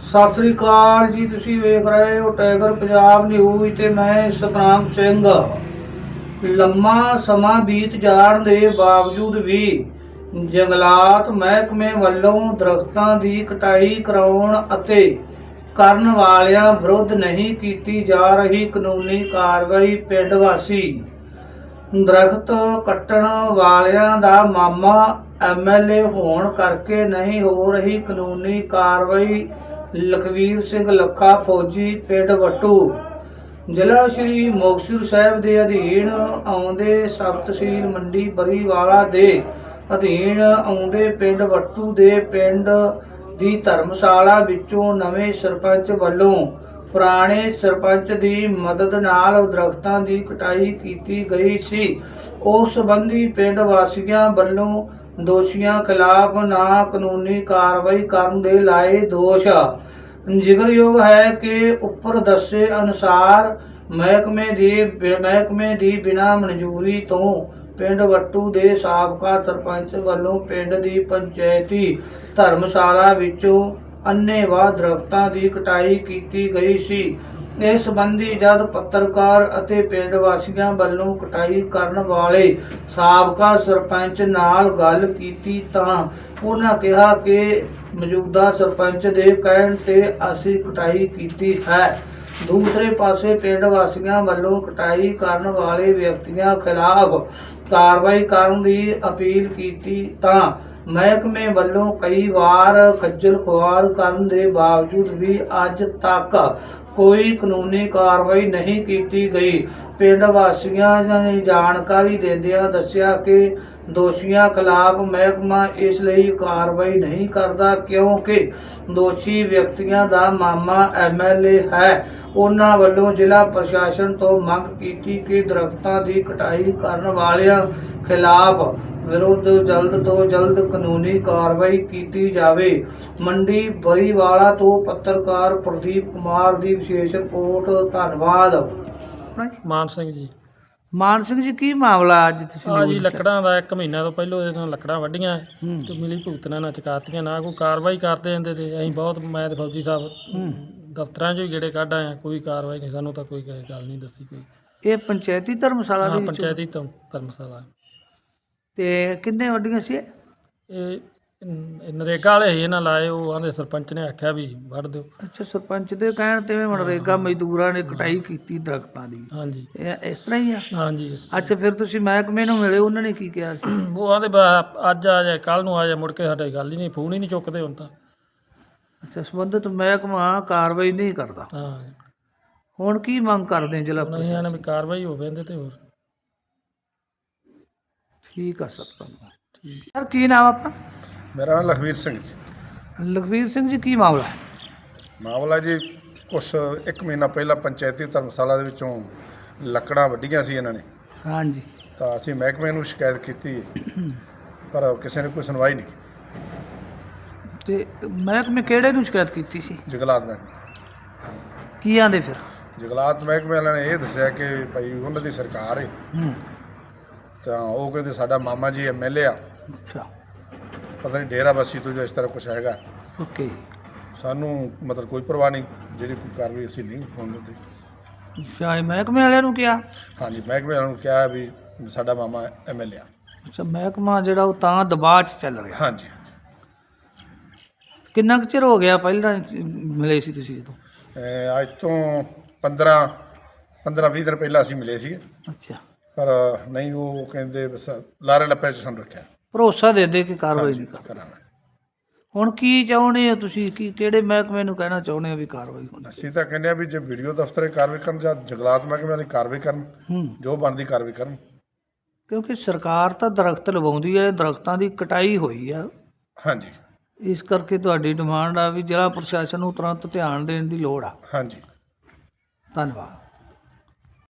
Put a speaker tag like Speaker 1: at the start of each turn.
Speaker 1: ਸਤਿ ਸ੍ਰੀ ਅਕਾਲ ਜੀ। ਤੁਸੀਂ ਵੇਖ ਰਹੇ ਹੋ ਟਾਈਗਰ ਪੰਜਾਬ ਨਿਊਜ਼ ਤੇ ਮੈਂ ਸਤਨਾਮ ਸਿੰਘ। ਲੰਮਾ ਸਮਾਂ ਬੀਤ ਜਾਣ ਦੇ ਬਾਵਜੂਦ ਵੀ ਜੰਗਲਾਤ ਮਹਿਕਮੇ ਵੱਲੋਂ ਦਰਖਤਾਂ ਦੀ ਕਟਾਈ ਕਰਾਉਣ ਅਤੇ ਕਰਨ ਵਾਲਿਆਂ ਵਿਰੁੱਧ ਨਹੀਂ ਕੀਤੀ ਜਾ ਰਹੀ ਕਾਨੂੰਨੀ ਕਾਰਵਾਈ। ਪਿੰਡ ਵਾਸੀ ਦਰਖਤ ਕੱਟਣ ਵਾਲਿਆਂ ਦਾ ਮਾਮਾ ਐਮਐਲਏ ਹੋਣ ਕਰਕੇ ਨਹੀਂ ਹੋ ਰਹੀ ਕਾਨੂੰਨੀ ਕਾਰਵਾਈ। ਲਖਵੀਰ ਸਿੰਘ ਲੱਖਾ ਫੌਜੀ, ਪਿੰਡ ਵੱਟੂ, ਜ਼ਿਲ੍ਹਾ ਸ਼੍ਰੀ ਮੁਕਤਸਰ ਸਾਹਿਬ ਦੇ ਅਧੀਨ ਆਉਂਦੇ ਸਬ ਤਹਿਸੀਲ ਮੰਡੀ ਬਰੀਵਾਲਾ ਦੇ ਅਧੀਨ ਆਉਂਦੇ ਪਿੰਡ ਵੱਟੂ ਦੇ ਪਿੰਡ ਦੀ ਧਰਮਸ਼ਾਲਾ ਵਿੱਚੋਂ ਨਵੇਂ ਸਰਪੰਚ ਵੱਲੋਂ ਪੁਰਾਣੇ ਸਰਪੰਚ ਦੀ ਮਦਦ ਨਾਲ ਦਰਖਤਾਂ ਦੀ ਕਟਾਈ ਕੀਤੀ ਗਈ ਸੀ। ਉਸ ਸੰਬੰਧੀ ਪਿੰਡ ਵਾਸੀਆਂ ਵੱਲੋਂ ਦੋਸ਼ੀਆਂ ਖਿਲਾਫ ਨਾ ਕਾਨੂੰਨੀ ਕਾਰਵਾਈ ਕਰਨ ਦੇ ਲਾਏ ਦੋਸ਼। ਜ਼ਿਕਰਯੋਗ ਹੈ ਕਿ ਉੱਪਰ ਦੱਸੇ ਅਨੁਸਾਰ ਮਹਿਕਮੇ ਦੀ ਬਿਨਾਂ ਮਨਜ਼ੂਰੀ ਤੋਂ ਪਿੰਡ ਵੱਟੂ ਦੇ ਸਾਬਕਾ ਸਰਪੰਚ ਵੱਲੋਂ ਪਿੰਡ ਦੀ ਪੰਚਾਇਤੀ ਧਰਮਸ਼ਾਲਾ ਵਿੱਚੋਂ ਅੰਨ੍ਹੇਵਾਹ ਦਰਖਤਾਂ ਦੀ ਕਟਾਈ ਕੀਤੀ ਗਈ ਸੀ। ਇਸ ਸੰਬੰਧੀ ਜਦ ਪੱਤਰਕਾਰ ਅਤੇ ਪਿੰਡ ਵਾਸੀਆਂ ਵੱਲੋਂ ਕਟਾਈ ਕਰਨ ਵਾਲੇ ਸਾਬਕਾ ਸਰਪੰਚ ਨਾਲ ਗੱਲ ਕੀਤੀ ਤਾਂ ਉਹਨਾਂ ਕਿਹਾ ਕਿ ਮੌਜੂਦਾ ਸਰਪੰਚ ਦੇ ਕਹਿਣ ਤੇ ਅਸੀਂ ਕਟਾਈ ਕੀਤੀ ਹੈ। ਦੂਸਰੇ ਪਾਸੇ ਪਿੰਡ ਵਾਸੀਆਂ ਵੱਲੋਂ ਕਟਾਈ ਕਰਨ ਵਾਲੇ ਵਿਅਕਤੀਆਂ ਖਿਲਾਫ ਕਾਰਵਾਈ ਕਰਨ ਦੀ ਅਪੀਲ ਕੀਤੀ ਤਾਂ ਮਹਿਕਮੇ ਵੱਲੋਂ ਕਈ ਵਾਰ ਖੱਜਲ ਖੁਆਰ ਕਰਨ ਦੇ ਬਾਵਜੂਦ ਵੀ ਅੱਜ ਤੱਕ ਕੋਈ ਕਾਨੂੰਨੀ ਕਾਰਵਾਈ ਨਹੀਂ ਕੀਤੀ ਗਈ। ਪਿੰਡ ਵਾਸੀਆਂ ਨੇ ਜਾਣਕਾਰੀ ਦਿੰਦਿਆਂ ਦੱਸਿਆ ਕਿ ਦੋਸ਼ੀਆਂ ਖਿਲਾਫ ਮਹਿਕਮਾ ਇਸ ਲਈ ਕਾਰਵਾਈ ਨਹੀਂ ਕਰਦਾ ਕਿਉਂਕਿ ਦੋਸ਼ੀ ਵਿਅਕਤੀਆਂ ਦਾ ਮਾਮਾ ਐਮਐਲਏ ਹੈ। ਉਹਨਾਂ ਵੱਲੋਂ ਜ਼ਿਲ੍ਹਾ ਪ੍ਰਸ਼ਾਸਨ ਤੋਂ ਮੰਗ ਕੀਤੀ ਕਿ ਦਰਖਤਾਂ ਦੀ ਕਟਾਈ ਕਰਨ ਵਾਲਿਆਂ ਖਿਲਾਫ ਵਿਰੁੱਧ ਜਲਦ ਤੋਂ ਜਲਦ ਕਾਨੂੰਨੀ ਕਾਰਵਾਈ ਕੀਤੀ ਜਾਵੇ। ਮੰਡੀ ਬਰੀਵਾਲਾ ਤੋਂ ਪੱਤਰਕਾਰ ਪ੍ਰਦੀਪ ਕੁਮਾਰ ਦੀ ਵਿਸ਼ੇਸ਼ ਰਿਪੋਰਟ। ਧੰਨਵਾਦ।
Speaker 2: ਮਾਨ ਸਿੰਘ ਜੀ।
Speaker 1: ਮਾਨ ਸਿੰਘ ਜੀ, ਕੀ ਮਾਮਲਾ ਅੱਜ ਤੁਸੀਂ
Speaker 2: ਆ ਜੀ ਲੱਕੜਾਂ ਦਾ 1 ਮਹੀਨਾ ਤੋਂ ਪਹਿਲਾਂ ਇਹਦੇ ਤੋਂ ਲੱਕੜਾਂ ਵੱਢੀਆਂ ਤੇ ਮਿਲੀ ਭੁਗਤਣਾ ਨਾ ਚੁਕਾਤੀਆਂ, ਨਾ ਕੋਈ ਕਾਰਵਾਈ ਕਰਦੇ ਜਾਂਦੇ ਤੇ ਅਸੀਂ ਬਹੁਤ ਮੈਂ ਤੇ ਫੌਜੀ ਸਾਹਿਬ ਦਫ਼ਤਰਾਂ 'ਚੋਂ ਹੀ ਗੇੜੇ ਕੱਢ ਆਏ, ਕੋਈ ਕਾਰਵਾਈ ਨਹੀਂ, ਸਾਨੂੰ ਤਾਂ ਕੋਈ ਗੱਲ ਨਹੀਂ ਦੱਸੀ ਕੋਈ।
Speaker 1: ਇਹ ਪੰਚਾਇਤੀ ਧਰਮਸ਼ਾਲਾ ਦੇ ਵਿੱਚ?
Speaker 2: ਪੰਚਾਇਤੀ ਧਰਮਸ਼ਾਲਾ।
Speaker 1: ਤੇ ਕਿੰਨੇ ਵੱਡੀਆਂ ਸੀ
Speaker 2: ਇਹ ਨਰੇਗਾ ਵਾਲੇ ਸੀ, ਇਹਨਾਂ ਲਾਏ, ਉਹ ਆਂਦੇ ਸਰਪੰਚ ਨੇ ਆਖਿਆ ਵੀ ਵੱਢ ਦਿਓ।
Speaker 1: ਅੱਛਾ, ਸਰਪੰਚ ਦੇ ਕਹਿਣ ਤੇ ਮਨਰੇਗਾ ਮਜ਼ਦੂਰਾਂ ਨੇ ਕਟਾਈ ਕੀਤੀ ਦਰਖਤਾਂ ਦੀ?
Speaker 2: ਹਾਂਜੀ,
Speaker 1: ਇਸ ਤਰ੍ਹਾਂ ਹੀ ਆ?
Speaker 2: ਹਾਂਜੀ।
Speaker 1: ਅੱਛਾ, ਫਿਰ ਤੁਸੀਂ ਮਹਿਕਮੇ ਨੂੰ ਮਿਲੇ, ਉਹਨਾਂ ਨੇ ਕੀ ਕਿਹਾ ਸੀ?
Speaker 2: ਉਹ ਆਂਦੇ ਅੱਜ ਆ ਜਾਏ, ਕੱਲ੍ਹ ਨੂੰ ਆ ਜਾਏ, ਮੁੜ ਕੇ ਸਾਡੇ ਗੱਲ ਹੀ ਨਹੀਂ, ਫੋਨ ਹੀ ਨਹੀਂ ਚੁੱਕਦੇ ਹੁਣ ਤਾਂ।
Speaker 1: ਅੱਛਾ, ਸੰਬੰਧਿਤ ਮਹਿਕਮਾ ਕਾਰਵਾਈ ਨਹੀਂ ਕਰਦਾ।
Speaker 2: ਹਾਂ,
Speaker 1: ਹੁਣ ਕੀ ਮੰਗ ਕਰਦੇ ਜ਼ਿਲ੍ਹਾ
Speaker 2: ਨਹੀਂ ਆਨੇ ਵੀ ਕਾਰਵਾਈ ਹੋਵੇ ਇਹਦੇ ਤੇ। ਹੋਰ
Speaker 1: ਠੀਕ ਆ ਸਰ, ਧੰਨਵਾਦ।
Speaker 2: ਠੀਕ।
Speaker 1: ਸਰ, ਕੀ ਨਾਮ ਆਪਣਾ?
Speaker 3: ਮੇਰਾ ਨਾਮ ਲਖਵੀਰ ਸਿੰਘ ਜੀ।
Speaker 1: ਲਖਵੀਰ ਸਿੰਘ ਜੀ, ਕੀ ਮਾਮਲਾ?
Speaker 3: ਮਾਮਲਾ ਜੀ ਕੁਛ 1 ਮਹੀਨਾ ਪਹਿਲਾਂ ਪੰਚਾਇਤੀ ਧਰਮਸ਼ਾਲਾ ਦੇ ਵਿੱਚੋਂ ਲੱਕੜਾਂ ਵੱਢੀਆਂ ਸੀ ਇਹਨਾਂ ਨੇ,
Speaker 1: ਹਾਂਜੀ।
Speaker 3: ਤਾਂ ਅਸੀਂ ਮਹਿਕਮੇ ਨੂੰ ਸ਼ਿਕਾਇਤ ਕੀਤੀ ਪਰ ਕਿਸੇ ਨੇ ਕੋਈ ਸੁਣਵਾਈ ਨਹੀਂ ਕੀਤੀ।
Speaker 1: ਤੇ ਮਹਿਕਮੇ ਕਿਹੜੇ ਨੂੰ ਸ਼ਿਕਾਇਤ ਕੀਤੀ ਸੀ?
Speaker 3: ਜੰਗਲਾਤ ਮਹਿਕਮੇ।
Speaker 1: ਕੀ ਆਂਦੇ ਫਿਰ?
Speaker 3: ਜੰਗਲਾਤ ਮਹਿਕਮੇ ਵਾਲਿਆਂ ਨੇ ਇਹ ਦੱਸਿਆ ਕਿ ਭਾਈ ਉਹਨਾਂ ਦੀ ਸਰਕਾਰ ਹੈ, ਤਾਂ ਉਹ ਕਹਿੰਦੇ ਸਾਡਾ ਮਾਮਾ ਜੀ ਐਮਐਲਏ ਆ,
Speaker 1: ਅੱਛਾ,
Speaker 3: ਪਤਾ ਨਹੀਂ ਡੇਰਾ ਬੱਸੀ ਤੋਂ ਜੋ ਇਸ ਤਰ੍ਹਾਂ ਕੁਛ ਹੈਗਾ।
Speaker 1: ਓਕੇ।
Speaker 3: ਸਾਨੂੰ ਮਤਲਬ ਕੋਈ ਪਰਵਾਹ ਨਹੀਂ, ਜਿਹੜੀ ਕੋਈ ਕਾਰਵਾਈ ਅਸੀਂ ਨਹੀਂ ਹੋਣ ਦਿੰਦੇ।
Speaker 1: ਅੱਛਾ, ਇਹ ਮਹਿਕਮੇ ਵਾਲਿਆਂ ਨੂੰ ਕਿਹਾ?
Speaker 3: ਹਾਂਜੀ, ਮਹਿਕਮੇ ਵਾਲਿਆਂ ਨੂੰ ਕਿਹਾ ਵੀ ਸਾਡਾ ਮਾਮਾ ਐਮਐਲਏ ਆ।
Speaker 1: ਅੱਛਾ, ਮਹਿਕਮਾ ਜਿਹੜਾ ਉਹ ਤਾਂ ਦਬਾਅ 'ਚ ਚੱਲ ਰਿਹਾ?
Speaker 3: ਹਾਂਜੀ।
Speaker 1: ਕਿੰਨਾ ਕੁ ਚਿਰ ਹੋ ਗਿਆ ਪਹਿਲਾਂ ਮਿਲੇ ਸੀ ਤੁਸੀਂ ਜਦੋਂ?
Speaker 3: ਅੱਜ ਤੋਂ 15-20 ਦਿਨ ਪਹਿਲਾਂ ਅਸੀਂ ਮਿਲੇ ਸੀਗੇ,
Speaker 1: ਅੱਛਾ,
Speaker 3: ਪਰ ਨਹੀਂ, ਉਹ ਕਹਿੰਦੇ ਬਸ ਲਾਰੇ ਲੱਪੇ 'ਚ ਸਾਨੂੰ ਰੱਖਿਆ।
Speaker 1: ਭਰੋਸਾ ਦੇ ਦੇ ਕਿ ਕਾਰਵਾਈ ਨਹੀਂ ਕਰ।
Speaker 3: ਕਰਾਂਗੇ।
Speaker 1: ਹੁਣ ਕੀ ਚਾਹੁੰਦੇ ਹੋ ਤੁਸੀਂ? ਕੀ ਕਿਹੜੇ ਮਹਿਕਮੇ ਨੂੰ ਕਹਿਣਾ ਚਾਹੁੰਦੇ ਹੋ ਵੀ ਕਾਰਵਾਈ ਹੋਣੀ?
Speaker 3: ਅਸੀਂ ਤਾਂ ਕਹਿੰਦੇ ਆ ਵੀ ਜੇ ਵੀਡੀਓ ਦਫ਼ਤਰੇ ਕਾਰਵਾਈ ਕਰਨ ਜਾਂ ਜੰਗਲਾਤ ਮਹਿਕਮੇ ਵਾਲੀ ਕਾਰਵਾਈ ਕਰਨ, ਜੋ ਬਣਦੀ ਕਾਰਵਾਈ ਕਰਨ।
Speaker 1: ਕਿਉਂਕਿ ਸਰਕਾਰ ਤਾਂ ਦਰਖਤ ਲਗਾਉਂਦੀ ਹੈ, ਦਰਖਤਾਂ ਦੀ ਕਟਾਈ ਹੋਈ ਆ।
Speaker 3: ਹਾਂਜੀ,
Speaker 1: ਇਸ ਕਰਕੇ ਤੁਹਾਡੀ ਡਿਮਾਂਡ ਆ ਵੀ ਜ਼ਿਲ੍ਹਾ ਪ੍ਰਸ਼ਾਸਨ ਨੂੰ ਤੁਰੰਤ ਧਿਆਨ ਦੇਣ ਦੀ ਲੋੜ ਆ।
Speaker 3: ਹਾਂਜੀ।
Speaker 1: ਧੰਨਵਾਦ।